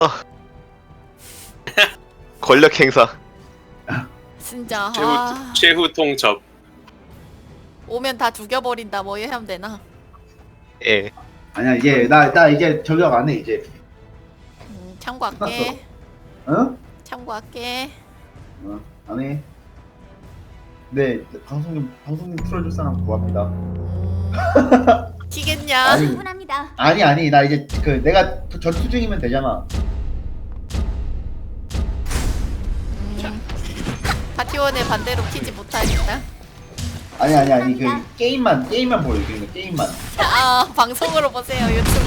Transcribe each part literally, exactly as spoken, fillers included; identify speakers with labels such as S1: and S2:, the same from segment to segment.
S1: 권력 행사.
S2: 진짜
S3: 최후
S2: 아,
S3: 최후 통첩.
S2: 오면 다 죽여버린다. 뭐 해야 되나?
S1: 예.
S4: 아니야 이제 나 나 이제 저격 안 해 이제.
S2: 음, 참고할게.
S4: 어?
S2: 참고할게.
S4: 어, 안 해. 네, 방송 좀 방송 좀 틀어줄 사람 구합니다.
S2: 음, 튀겠냐?
S4: 아니.
S5: 충분합니다.
S4: 아니 아니 나 이제 그 내가 전투 중이면 되잖아.
S2: 음, 파티원의 반대로 키지 못하겠다.
S4: 아니 아니 아니 그 게임만 게임만 보여주는 거 게임만.
S2: 아 방송으로 보세요 유튜브.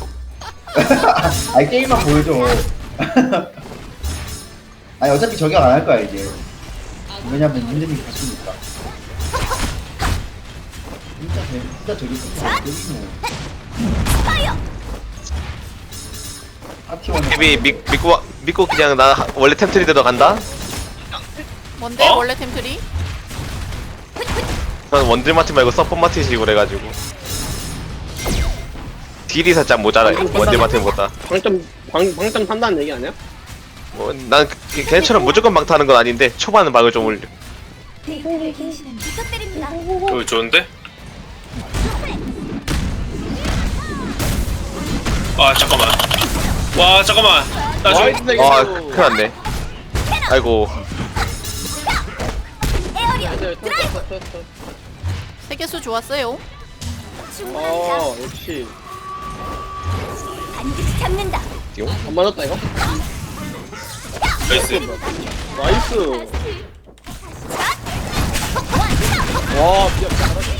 S4: 아니 게임만 보여줘. 아니 어차피 저격 안 할 거야 이제. 왜냐면 문제님이 갔으니까. 진짜 재 진짜 저격 진짜 재밌네. 파티원.
S1: 헤비 믿, 믿고 와- 믿고 그냥 나 원래 템트리대로 간다.
S2: 뭔데
S3: 어?
S2: 원래 템트리?
S1: 난 원딜 마티 말고 서폿 마티식으로 해가지고 딜이 살짝 모자라요. 원딜 마티보다.
S6: 방점 방 방점 산다는 얘기 아니야?
S1: 뭐난 그- 걔처럼 무조건 막타는 건 아닌데 초반은 막을 좀 올려.
S5: 부탁드립니다.
S3: 어, 좋은데? 아 잠깐만. 와 잠깐만. 나
S6: 와,
S3: 지금
S6: 근데
S1: 아
S6: 이거-
S1: 큰일 났네. 아이고
S5: 에어리어
S6: 네, 터, 터, 터, 터.
S2: 세계수 좋았어요.
S5: 충분합니다.
S6: 어 역시
S5: 반드시 잡는다.
S6: 안 맞았다 이거.
S3: 나이스.
S6: 나이스. 와 비야 잘하네.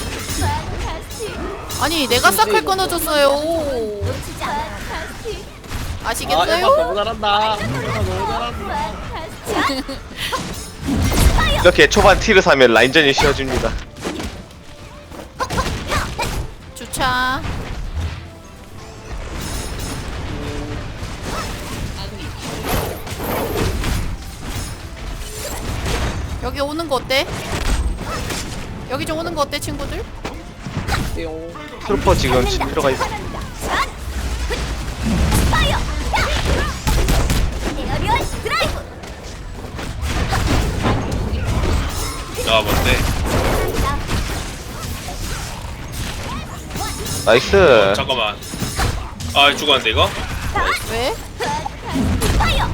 S2: 아니 내가 싹할 끊어줬어요.
S5: 놓치지 않아요.
S6: 아
S2: 아시겠어요?
S6: 에바 너무 잘한다. 에바 너무 잘한다.
S1: 이렇게 초반 티를 사면 라인전이 쉬워집니다.
S2: 주차. 여기 오는 거 어때? 여기 좀 오는 거 어때 친구들?
S6: 띠용.
S1: 트루퍼 지금 집 들어가 있어.
S5: 파이어. 에어리어 드라이브.
S3: 아 뭔데?
S1: 나이스.
S3: 잠깐만. 아 죽었는데 이거?
S2: 왜?
S5: 파이어.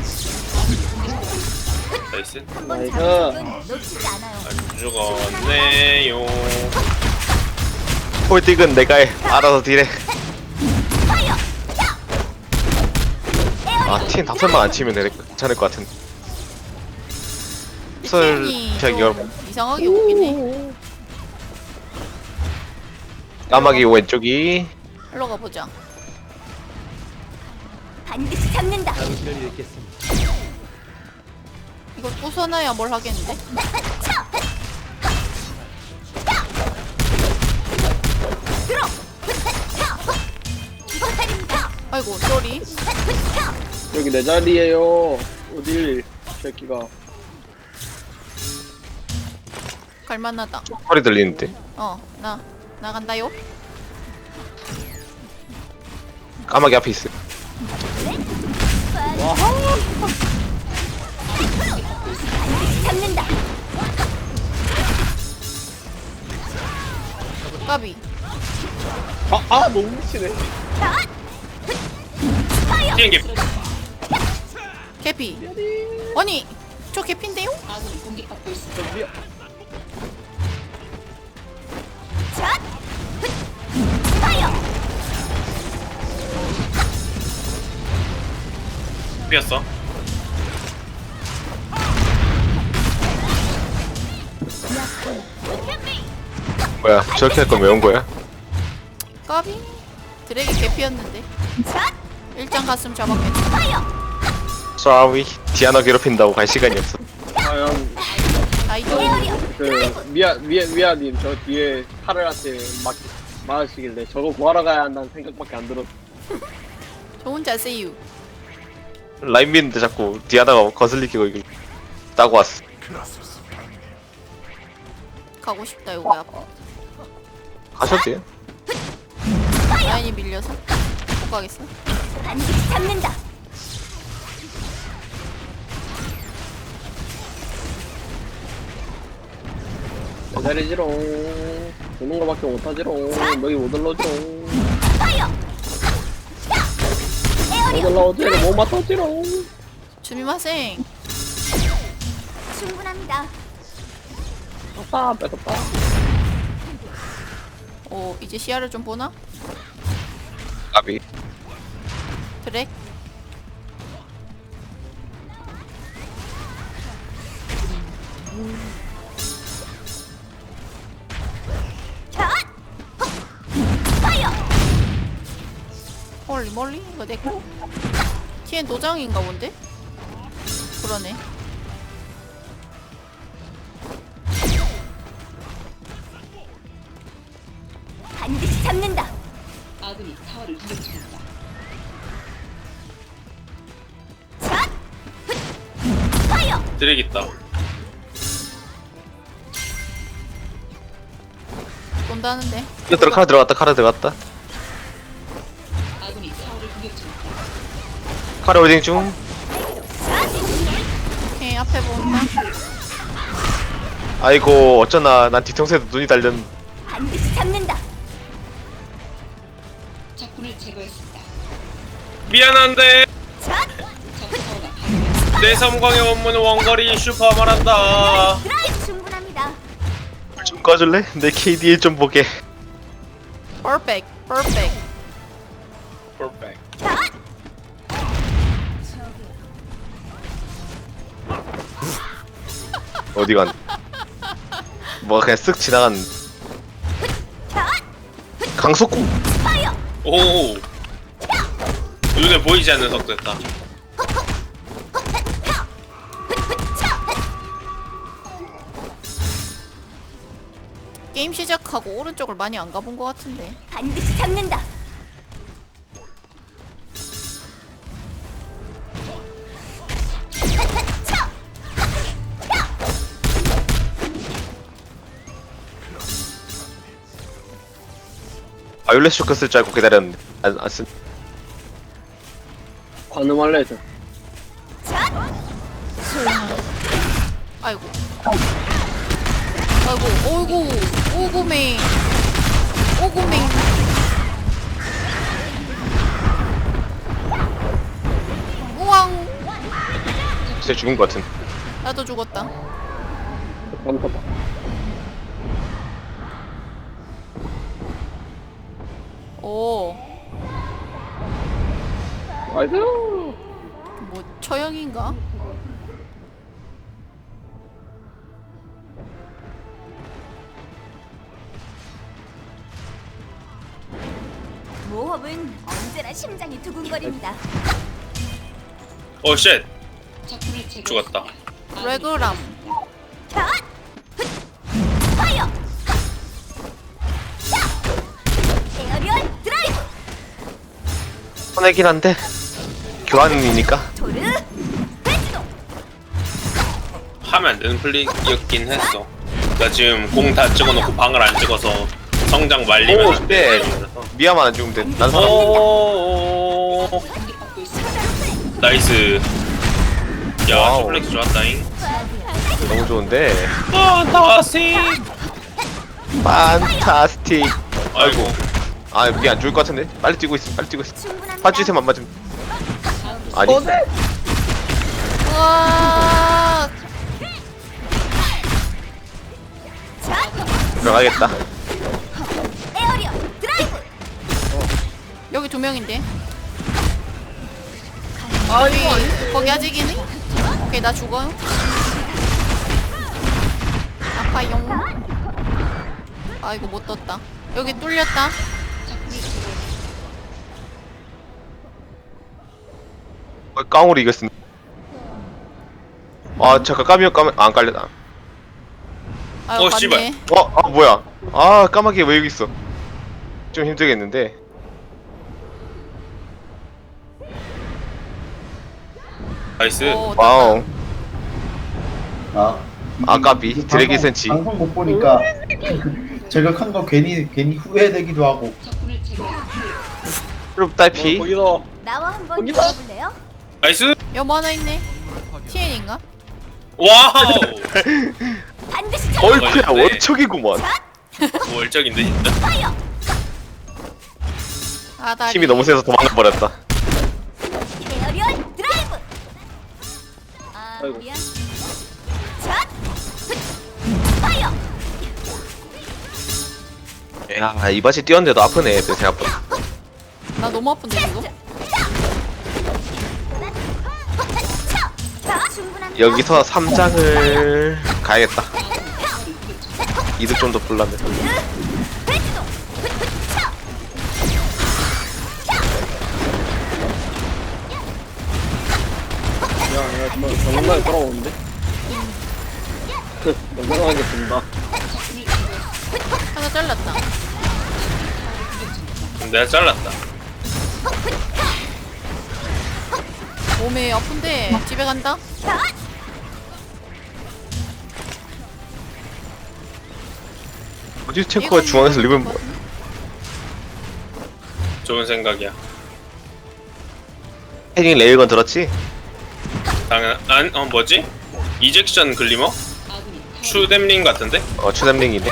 S3: 나이스.
S5: 한번
S6: 나이스.
S5: 잡으면 놓치지 않아요.
S3: 안 죽었네요.
S1: 홀딩은 내가 해. 알아서 딜해.
S5: 파이어.
S1: 아, 팀 다섯만 안 치면 되- 괜찮을 것 같은데. 설
S2: 이
S1: 제가 이걸
S2: 이상하게 오긴 해.
S1: 까마귀 왼쪽이
S2: 일로 가보자.
S5: 반드시 잡는다.
S2: 이걸 부숴놔야 뭘 하겠는데?
S5: 들어. 부탁드립니다.
S2: 아이고 쏘리.
S6: 여기 내 자리에요. 어딜 새끼가.
S2: 갈만하다.
S1: 소리 들리는데.
S2: 어, 나 나간다요.
S1: 까마귀 앞에 있어.
S5: 잡는다.
S2: 까비.
S6: 아, 아 너무 미치네.
S3: 비행기.
S2: 개피. 아니 저 개피인데요?
S6: 저 미야.
S5: 샷. 파이어.
S3: 비었어.
S1: 뭐야? 저렇게 할 거면 왜 온 거야?
S2: 까비. 드랙이 개피였는데.
S5: 샷.
S2: 일장 갔으면 잡았겠지.
S5: 파이어.
S1: Sorry. 디아나 괴롭힌다고 갈 시간이 없어.
S6: 과연
S2: 아이도.
S5: 에어리어
S6: 그 미아 미아 미아님 저 뒤에 카르한테 막 막으시길래 저거 구하러 가야 한다는 생각밖에 안 들었어.
S2: 좋은 자세유.
S1: 라인 미는데 자꾸 디아나가 거슬리기고 이거 따고 왔어.
S2: 가고 싶다 여기 아파.
S1: 가셔도 돼요?
S2: 라인이 밀려서 못 가겠어.
S5: 반드시 잡는다.
S6: 기다리지롱. 보는 거밖에 못하지롱. 여기 못 올라오지롱.
S5: 파이어.
S6: 못 올라오지롱. 못 맞췄지롱.
S2: 주미마생.
S5: 충분합니다.
S6: 뺐다 뺐다.
S2: 오 이제 시야를 좀 보나?
S1: 까비.
S2: 드랙.
S5: 샷. 파이어.
S2: 헐리 멀리 이거 내꺼? 티엔 도장인가 본데? 그러네.
S5: 반드시 잡는다.
S7: 아군이 타워를 공격 중입니다.
S5: 샷. 파이어.
S3: 드랙 있다.
S2: 돈다는데.
S1: 이거 들어 카드 들어갔다 카드 들어갔다.
S7: 아군이 타워를 공격 중입니다.
S1: 카드 홀딩 중.
S2: 오케이 앞에 본다.
S1: 아이고 어쩌나 난 뒤통수에도 눈이 달렸.
S5: 반드시 잡는다.
S7: 적군을 제거했습니다.
S3: 미안한데
S5: 샷.
S7: 적 타워가 파괴되었습니다.
S3: 내 섬광의 원문은 원거리 슈퍼 말한다.
S5: 드라이브 충분합니다.
S1: 좀 꺼줄래? 내 케이디 좀 보게.
S2: 퍼펙트. 퍼펙트.
S3: 퍼펙트.
S5: 샷.
S1: 어디 간? 뭐가 그냥 쓱 지나간
S5: 샷.
S1: 강속구.
S5: 파이어.
S3: 오. 눈에 보이지 않는 속도였다.
S2: 게임 시작하고 오른쪽을 많이 안 가본 것 같은데.
S5: 반드시 잡는다.
S1: 바이올렛 쇼크 쓸 줄 알고 기다렸는데 안, 안 쓴.
S6: 관음할래 해줘.
S5: 샷.
S2: 아이고. 아이고. 오구. 오구맹. 오구맹. 우왕.
S1: 진짜 죽은 것 같은.
S2: 나도 죽었다.
S6: 깜짝아.
S2: 오.
S6: 나이스.
S2: 뭐 처형인가?
S5: 모험은 언제나 심장이 두근거립니다.
S3: 오 쉣.
S7: 적군을 제거했습니다.
S3: 죽었다.
S7: 아군이
S2: 레그람.
S5: 샷. 파이어. 샷. 에어리얼 드라이브.
S1: 손해긴 한데 교환이니까.
S5: 도르. 벤지도.
S3: 하면 안 되는 플레이였긴 했어. 나 지금 공 다 찍어놓고 방을 안 찍어서 성장 말리면
S1: 오,
S3: 안
S1: 네.
S3: 돼.
S1: 미아만 안 죽으면 돼. 난 살아.
S3: 오.
S7: 공격받고 있습니다.
S3: 나이스. 야,
S1: 와우.
S3: 슈플렉스 좋았다잉.
S1: 너무 좋은데.
S3: 판타스틱.
S1: 판타스틱.
S3: 아이고.
S1: 아 미안 죽을 것 같은데. 빨리 뛰고 있어. 빨리 뛰고 있어.
S5: 충분합니다.
S1: 파주세만 맞으면. 아니.
S2: 우와.
S5: 샷.
S1: 들어가겠다.
S5: 에어리얼 드라이브.
S2: 여기 두 명인데. 거기 거기 아직이니? 오케이 나 죽어요. 아파용. 아 이거 못 떴다. 여기 뚫렸다.
S1: 어, 깡으로 이겼습니다. 아 잠깐 까미요 까미 안 깔렸다.
S2: 아유
S3: 어,
S2: 맞네.
S3: 씨발.
S1: 어, 아 뭐야? 아 까마귀 왜 여기 있어? 좀 힘들겠는데.
S3: 나이스.
S2: 오,
S1: 와우.
S4: 아
S1: 아까비
S4: 이
S1: 드래기
S4: 방송-
S1: 센치.
S4: 방송 못 보니까 저격한 거 괜히 괜히 후회되기도 하고.
S7: 적군을 제거했습니다.
S1: 트룹 딸피.
S6: 거기서
S5: 나와 한번
S6: 거기다.
S5: 붙어볼래요?
S3: 나이스.
S2: 여보 하나 있네. 티엔인가?
S3: 와우.
S5: 반드시 잡.
S1: 얼크야
S3: 걸렸네.
S1: 월척이구먼.
S3: 월적인데 진짜.
S5: 파이어.
S2: 아다리.
S1: 힘이 너무 세서 도망가 버렸다.
S5: 에어리얼 드라이브. 아
S6: 아이고.
S5: 미안. 샷. 파이어.
S1: 야 이바지 뛰었는데도 아프네 애들 생각보다.
S2: 나 너무 아픈데 이거.
S5: 자, 충분한.
S1: 여기서 삼 장을 가야겠다. 이득 좀 더 불라면.
S5: 배지도.
S6: 야, 야, 저 정말 돌아오는데? 너무하게 든다.
S2: 하나 잘랐다.
S3: 내가 잘랐다.
S2: 몸에 아픈데 집에 간다.
S1: 어디 탱커가 중앙에서 리본 뭐?
S3: 좋은 생각이야.
S1: 헤딩 레일건 들었지?
S3: 당연 안 어 뭐지? 이젝션 글리머? 추뎀링 같은데?
S1: 어 추담링이네.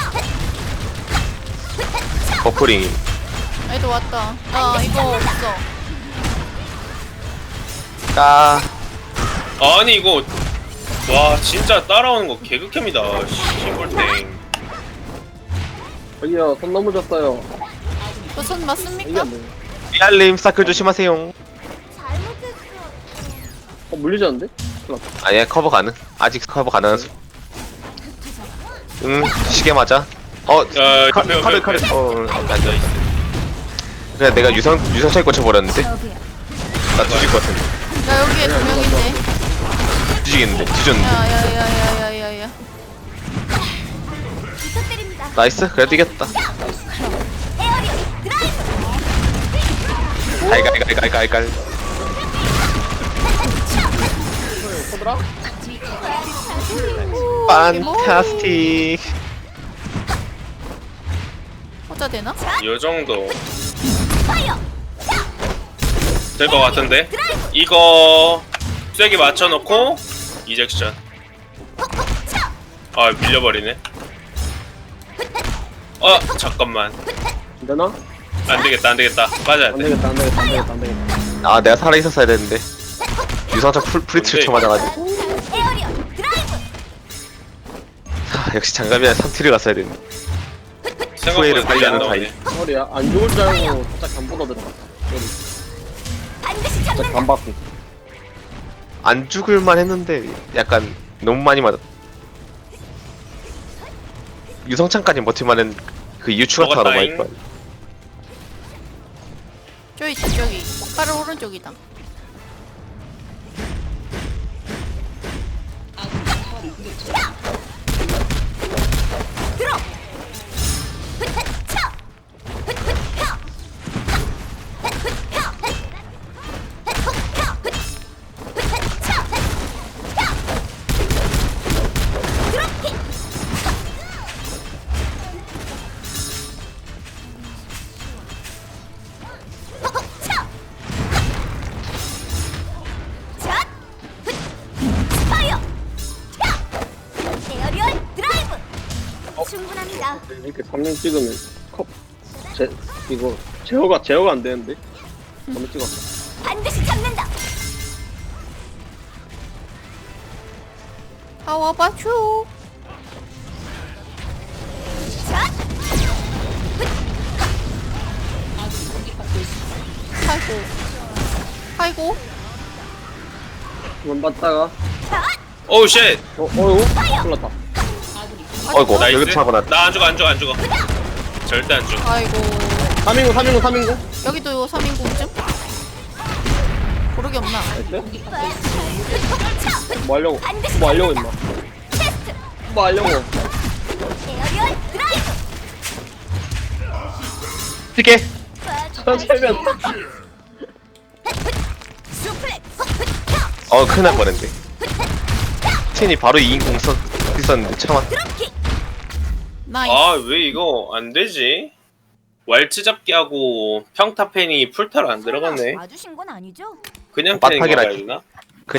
S1: 버프링.
S2: 애도 왔다. 아 이거 없어.
S1: 까.
S3: 아니 이거 와 진짜 따라오는 거 개극혐이다. 시골땡.
S6: 저기요, 손 넘어졌어요.
S2: 그손
S6: 이게
S2: 맞습니까?
S6: 안 돼.
S1: 리알님 사클 조심하세요.
S5: 잘못했어.
S6: 어, 물리졌는데? 큰일 났다.
S1: 아니야 커버 가능. 아직 커버 가능한 수. 응 시계 맞아. 어
S3: 야,
S1: 칼
S3: 옆에,
S1: 칼을
S3: 옆에,
S1: 칼을
S3: 옆에.
S1: 어 앉아 있어. 그래 내가 유성 유성차에 꽂혀버렸는데 나 뒤질 것 같은데.
S2: 야 여기에 두 명인데.
S1: 뒤지겠는데 뒤졌는데.
S2: 야야야야야야야.
S5: 부탁드립니다.
S1: 나이스 그래도 이겼다.
S5: 에어리얼 드라이브.
S1: 갈갈갈갈갈갈.
S6: 코드라?
S1: 판타스틱.
S2: 혼자 되나?
S3: 요 정도
S5: 파이어.
S3: 될 것 같은데? 이거 쐐기 맞춰놓고 이젝션. 아 밀려버리네. 어 잠깐만.
S6: 안 되나?
S3: 안되겠다 안되겠다 맞아야
S6: 안
S3: 돼.
S6: 되겠다, 안 되겠다, 안 되겠다, 안 되겠다.
S1: 아 내가 살아 있었어야 되는데. 유성차 풀 프리트를 쳐 맞아가지고.
S5: 에어리얼 드라이브.
S1: 아, 역시 장갑이랑 삼티를 갔어야 되는데. 후회를
S3: 생각보다 빨리 안
S1: 관리하는
S3: 나오네.
S6: 머리야, 안 죽을 줄 알고 살짝 간보다 들어갔다. 머리.
S5: 반드시
S6: 살짝
S5: 잡는다.
S6: 간 받고.
S1: 안 죽을만 했는데 약간 너무 많이 맞았. 유성창까지 버틸만한 그 이유 추가타가 너무 많이
S3: 먹었다잉.
S1: 들어.
S2: 저기 있다 저기. 바로 오른쪽이다.
S5: 들어. 차. 드롭킥. 차. 샷. 파이어. 에어리얼 드라이브. 충분합니다.
S6: 이렇게 삼 년 찍으면 컵. 제, 이거, 제어가, 제어가 안 되는데? 한번 찍었어.
S5: 반드시 잡는다.
S2: 파워 바추.
S5: 샷.
S2: 아이고. 아이고.
S6: 한번 봤다가,
S3: 오우 쉣.
S6: 어, 어이구? 큰일 났다.
S1: 어이구
S3: 나이스.
S1: 여기도 차고 나.
S3: 나 안 죽어 안 죽어 안 죽어. 절대 안 죽어.
S2: 아이고.
S6: 삼 인구, 삼 인구, 삼 인구?
S2: 여기도 삼 인공쯤? 고르기 없나?
S6: 나이스? 뭐 하려고? 뭐 하려고 임마?
S5: 테스트.
S6: 뭐 하려고?
S5: 에어리얼 드라이브.
S1: 찌개.
S6: 천천히면.
S5: 수플렉스.
S1: 어 큰일 날 뻔했네. 텐이 바로 이 인공 써 있었는데 참아.
S5: 드롭킥.
S2: 나이스.
S3: 아 왜 이거 안 되지? 왈츠 잡기 하고 평타 팬이 풀타로 안 들어갔네.
S5: 와주신 건 아니죠?
S3: 그냥 팬인
S1: 빡빡이라
S3: 거야 유나?